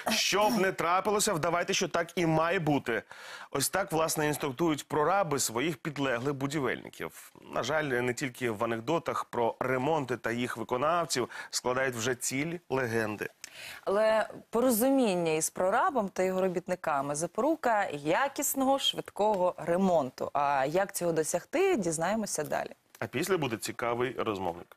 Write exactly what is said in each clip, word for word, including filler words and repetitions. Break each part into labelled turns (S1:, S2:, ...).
S1: Щоб не трапилося, вдавайте, що так і має бути. Ось так, власне, інструктують прораби своїх підлеглих будівельників. На жаль, не тільки в анекдотах про ремонти та їх виконавців складають вже цілі легенди.
S2: Але порозуміння із прорабом та його робітниками – запорука якісного, швидкого ремонту. А як цього досягти, дізнаємося далі.
S1: А після буде цікавий розмовник.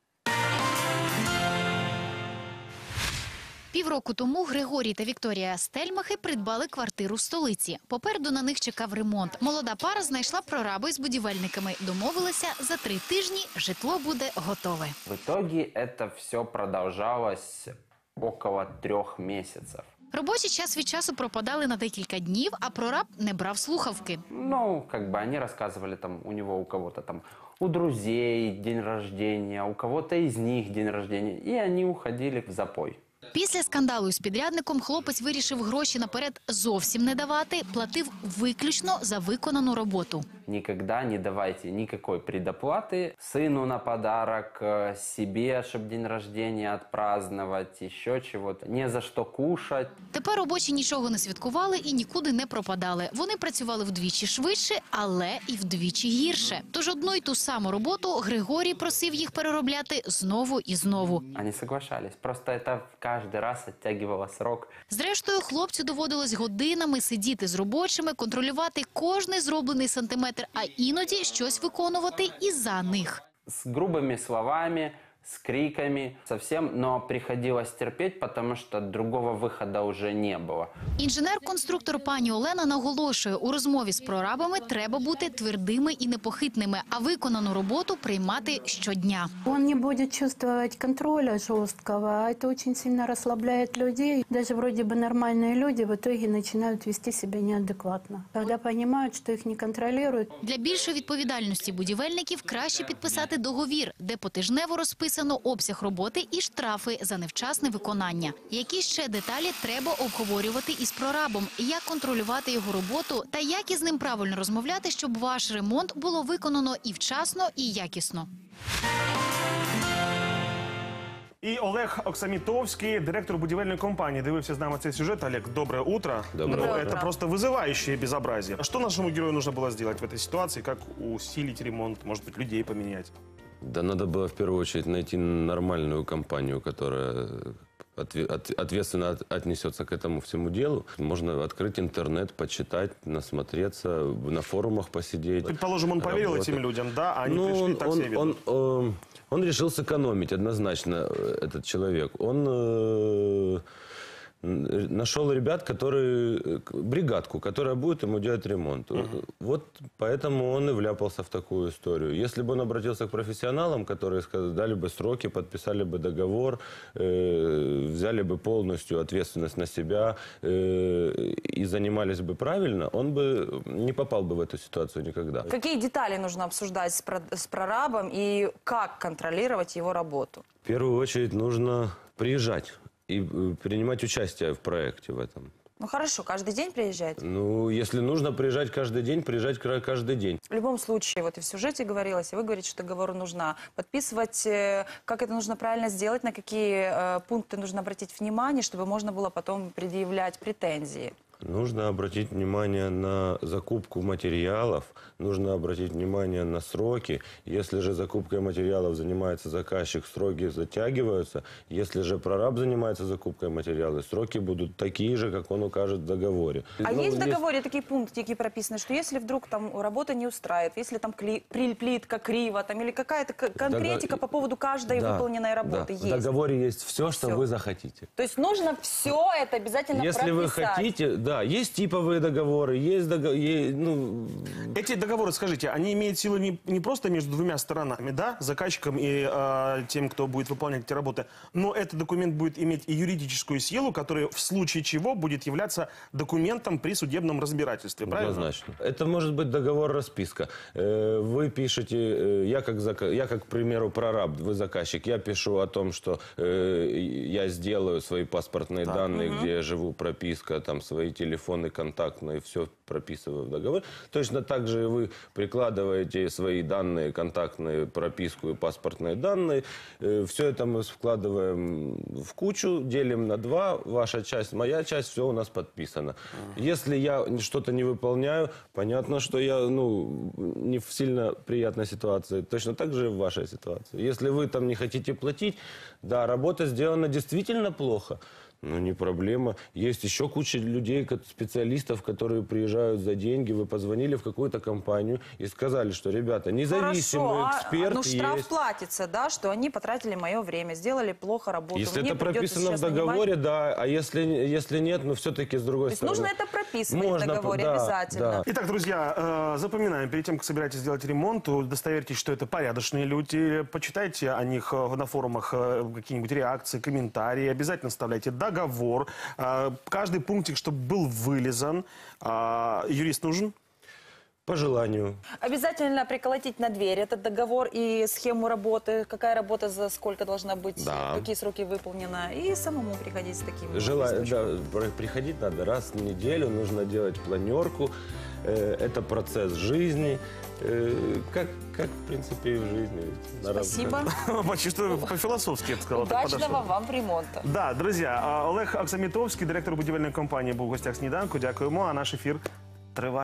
S3: Півроку тому Григорій та Вікторія Стельмахи придбали квартиру в столиці. Попереду на них чекав ремонт. Молода пара знайшла прораби з будівельниками. Домовилися, за три тижні житло буде готове.
S4: В итоге это все продолжалось около трех месяцев.
S3: Робочий час від часу пропадали на декілька днів, а прораб не брав слухавки.
S4: Ну, как бы они рассказывали, там, у него, у кого-то там, у друзей день рождения, у кого-то из них день рождения, и они уходили в запой.
S3: Після скандалу із підрядником хлопець вирішив гроші наперед зовсім не давати, платив виключно за виконану роботу.
S4: Никогда не давайте никакой предоплаты сыну на подарок, э, себе, чтобы день рождения отпраздновать, еще чего-то. Не за что кушать.
S3: Тепер робочі нічого не святкували і нікуди не пропадали. Вони працювали вдвічі швидше, але і вдвічі гірше. Тож одну й ту саму роботу Григорій просив їх переробляти знову і знову.
S4: Они соглашались. Просто это каждый раз оттягивало срок.
S3: Зрештою, хлопцю доводилось годинами сидіти з робочими, контролювати кожний зроблений сантиметр, а іноді щось виконувати і за них.
S4: С грубыми словами, с криками, совсем, но приходилось терпеть, потому что другого выхода уже не было.
S3: Інженер-конструктор пані Олена наголошує, у розмові з прорабами треба бути твердими і непохитними, а виконану роботу приймати щодня.
S5: Он не будет чувствовать контроля жесткого, а это очень сильно расслабляет людей. Даже вроде бы нормальные люди в итоге начинают вести себя неадекватно, когда понимают, что их не контролируют.
S3: Для більшої відповідальності будівельників краще підписати договір, де потижнево розписано обсяг роботи і штрафи за невчасне виконання. Які ще деталі треба обговорювати із прорабом, як контролювати його роботу та як із ним правильно розмовляти, щоб ваш ремонт було виконано і вчасно, і якісно.
S1: І Олег Оксамітовський, директор будівельної компанії, дивився з нами цей сюжет. Олег, доброе утро.
S6: Доброе
S1: ну,
S6: утро.
S1: Это просто вызывающее безобразие. Что нашему герою нужно было сделать в этой ситуации? Как усилить ремонт? Может быть, людей поменять?
S6: Да надо было в первую очередь найти нормальную компанию, которая ответственно отнесется к этому всему делу. Можно открыть интернет, почитать, насмотреться, на форумах посидеть.
S1: Предположим, он поверил
S6: работать.
S1: этим людям, да? А они
S6: ну,
S1: пришли,
S6: он,
S1: так
S6: он,
S1: себя ведут.
S6: он, он, он решил сэкономить однозначно, этот человек. Он э, нашел ребят, которые, бригадку, которая будет ему делать ремонт. Uh-huh. Вот поэтому он и вляпался в такую историю. Если бы он обратился к профессионалам, которые сказали, дали бы сроки, подписали бы договор, э, взяли бы полностью ответственность на себя э, и занимались бы правильно, он бы не попал бы в эту ситуацию никогда.
S2: Какие детали нужно обсуждать с, про с прорабом и как контролировать его работу?
S6: В первую очередь нужно приезжать и принимать участие в проекте в этом.
S2: Ну хорошо, каждый день приезжать?
S6: Ну, если нужно приезжать каждый день, приезжать каждый день.
S2: В любом случае, вот и в сюжете говорилось, и вы говорите, что договор нужно подписывать. Как это нужно правильно сделать, на какие э, пункты нужно обратить внимание, чтобы можно было потом предъявлять претензии?
S6: Нужно обратить внимание на закупку материалов, нужно обратить внимание на сроки. Если же закупкой материалов занимается заказчик, сроки затягиваются. Если же прораб занимается закупкой материалов, сроки будут такие же, как он укажет в договоре.
S2: А
S6: ну,
S2: есть в
S6: здесь...
S2: договоре такие пунктики прописаны, что если вдруг там работа не устраивает, если там кли... плитка криво, там, или какая-то конкретика Дог... по поводу каждой да, выполненной работы
S6: да.
S2: есть?
S6: В договоре есть все, что
S2: все.
S6: вы захотите.
S2: То есть нужно все это обязательно
S6: Если
S2: прописать?
S6: Если вы хотите... Да, есть типовые договоры, есть договоры, ну...
S1: Эти договоры, скажите, они имеют силу не, не просто между двумя сторонами, да, заказчиком и э, тем, кто будет выполнять эти работы, но этот документ будет иметь и юридическую силу, которая в случае чего будет являться документом при судебном разбирательстве, правильно?
S6: Однозначно. Это может быть договор-расписка. Вы пишете, я как, я как, к примеру, прораб, вы заказчик, я пишу о том, что я сделаю свои паспортные
S1: так.
S6: данные,
S1: угу.
S6: где я живу, прописка, там, свои телефоны, телефонный, контактный, все прописываю в договор. Точно так же и вы прикладываете свои данные, контактные, прописку и паспортные данные. Все это мы вкладываем в кучу, делим на два. Ваша часть, моя часть, все у нас подписано. Если я что-то не выполняю, понятно, что я ну, не в сильно приятной ситуации. Точно так же и в вашей ситуации. Если вы там не хотите платить, да, работа сделана действительно плохо. Ну, не проблема. Есть еще куча людей, ко- специалистов, которые приезжают за деньги. Вы позвонили в какую-то компанию и сказали, что, ребята, независимый
S2: Хорошо, а,
S6: эксперт
S2: ну штраф
S6: есть.
S2: платится, да, что они потратили мое время, сделали плохо работу.
S6: Если
S2: Мне
S6: это
S2: придется
S6: прописано в
S2: сейчас
S6: договоре,
S2: нанимать-
S6: да. А если, если нет, ну, все-таки с другой
S2: То есть
S6: стороны.
S2: нужно это прописывать в
S6: Можно,
S2: договоре
S6: да,
S2: обязательно.
S6: да.
S1: Итак, друзья, э, запоминаем, перед тем, как собираетесь сделать ремонт, удостоверьтесь, что это порядочные люди, почитайте о них э, на форумах э, какие-нибудь реакции, комментарии, обязательно вставляйте договор, э, каждый пунктик, чтобы был вылезан. А, юрист нужен?
S6: По желанию.
S2: Обязательно приколотить на дверь этот договор и схему работы, какая работа за сколько должна быть,
S6: Да.
S2: какие сроки выполнены, и самому приходить с таким.
S6: Жела...
S2: листочком.
S6: да, про- приходить надо раз в неделю, нужно делать планерку. Э, Это процесс жизни. Э, Как, как, в принципе, и в жизни. Надо-
S2: Спасибо.
S1: Почти что по-философски, я бы сказал. так
S2: Удачного
S1: подошел.
S2: вам ремонта.
S1: Да, друзья, а, Олег Аксамітовський, директор будівельної компанії, був в гостях «Сніданку». Дякуємо, а наш ефір триває.